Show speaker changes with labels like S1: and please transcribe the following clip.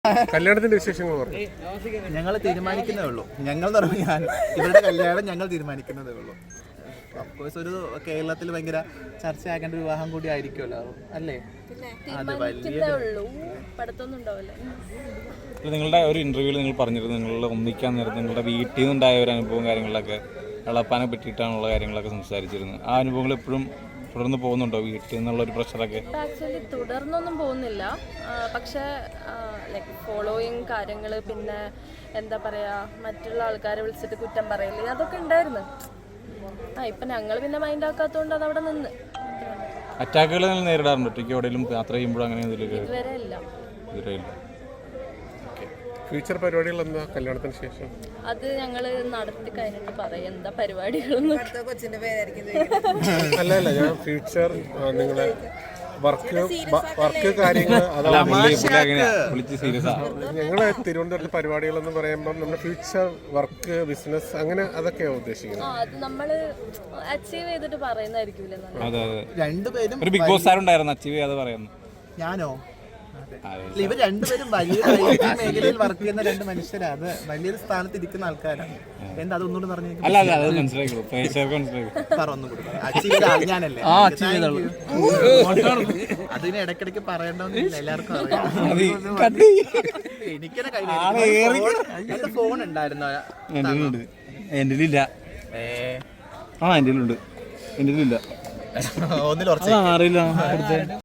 S1: കല്യാണത്തിന്റെ വിശേഷങ്ങൾ പറഞ്ഞു.
S2: ഞങ്ങൾ തീരുമാനിക്കുന്നതേ ഉള്ളൂ. ഞങ്ങൾ ഞാൻ ഇവരുടെ കല്യാണം ഞങ്ങൾ തീരുമാനിക്കുന്നതേ ഉള്ളൂ. അഫ്കോഴ്സ് ഒരു കേരളത്തിൽ ഭയങ്കര ചർച്ചയാക്കേണ്ട ഒരു വിവാഹം കൂടി ആയിരിക്കുമല്ലോ, അല്ലേ? അത് വലിയ
S3: നിങ്ങളുടെ ഒരു ഇന്റർവ്യൂവിൽ നിങ്ങൾ പറഞ്ഞിരുന്നു നിങ്ങൾ ഒന്നിക്കാൻ നേരത്തെ നിങ്ങളുടെ വീട്ടിൽ നിന്നുണ്ടായ ഒരു അനുഭവം കാര്യങ്ങളിലൊക്കെ എളപ്പാനെ പറ്റിയിട്ടാണുള്ള കാര്യങ്ങളൊക്കെ സംസാരിച്ചിരുന്നു. ആ അനുഭവങ്ങൾ എപ്പോഴും തുടർന്ന് പോകുന്നുണ്ടോ? വീട്ടിൽ നിന്നുള്ള ഒരു പ്രഷറൊക്കെ
S4: ആക്ച്വലി തുടർന്നൊന്നും പോകുന്നില്ല. പക്ഷേ ലൈക്ക് ഫോളോയിങ് കാര്യങ്ങൾ, പിന്നെ എന്താ പറയുക, മറ്റുള്ള ആൾക്കാരെ വിളിച്ചിട്ട് കുറ്റം പറയില്ല, അതൊക്കെ ഉണ്ടായിരുന്നു. ഇപ്പം ഞങ്ങൾ പിന്നെ മൈൻഡ് ആക്കാത്തതുകൊണ്ട് അതവിടെ നിന്ന്.
S3: അറ്റാക്കുകൾ നിങ്ങൾ നേരിടാറുണ്ട് ഒറ്റയ്ക്ക് എവിടെയെങ്കിലും യാത്ര ചെയ്യുമ്പോഴും? അങ്ങനെ
S4: ഇതുവരെ ഇല്ല.
S1: ഫ്യൂച്ചർ പരിപാടികൾ എന്താ കല്യാണത്തിന് ശേഷം?
S4: അത് ഞങ്ങൾ നടത്തി കഴിഞ്ഞിട്ട് പറയാം എന്താ പരിപാടികളൊന്നും.
S1: അല്ല ഞാൻ ഫ്യൂച്ചർ നിങ്ങളെ വർക്ക് കാര്യങ്ങൾ ഞങ്ങള് തിരുവനന്തപുരത്ത് പരിപാടികളെന്ന് പറയുമ്പോൾ നമ്മുടെ ഫ്യൂച്ചർ വർക്ക് ബിസിനസ് അങ്ങനെ അതൊക്കെയാണ് ഉദ്ദേശിക്കുന്നത്.
S4: അത് നമ്മള് അച്ചീവ് ചെയ്തിട്ട് പറയുന്നതായിരിക്കും.
S3: ഒരു ബിഗ് ബോസ് ആരുണ്ടായിരുന്നു അച്ചീവ് ചെയ്യാതെ പറയുന്നു.
S2: ഞാനോ? ഇവർ രണ്ടുപേരും വലിയ മേഖലയിൽ വർക്ക് ചെയ്യുന്ന രണ്ട് മനുഷ്യരാണ്. അത് വലിയൊരു സ്ഥാനത്ത് ഇരിക്കുന്ന ആൾക്കാരാണ്. എന്താ അതൊന്നുകൂടി പറഞ്ഞു? ഞാനല്ലേ അതിന് ഇടയ്ക്കിടയ്ക്ക് പറയണമെന്നില്ല, എല്ലാവർക്കും അറിയാം. എനിക്കെന്നെ കയ്യിൽ ഫോൺ ഉണ്ടായിരുന്നോ?
S3: എന്റെ ഇല്ല. എന്റെ ഒന്നിൽ അറിയില്ല.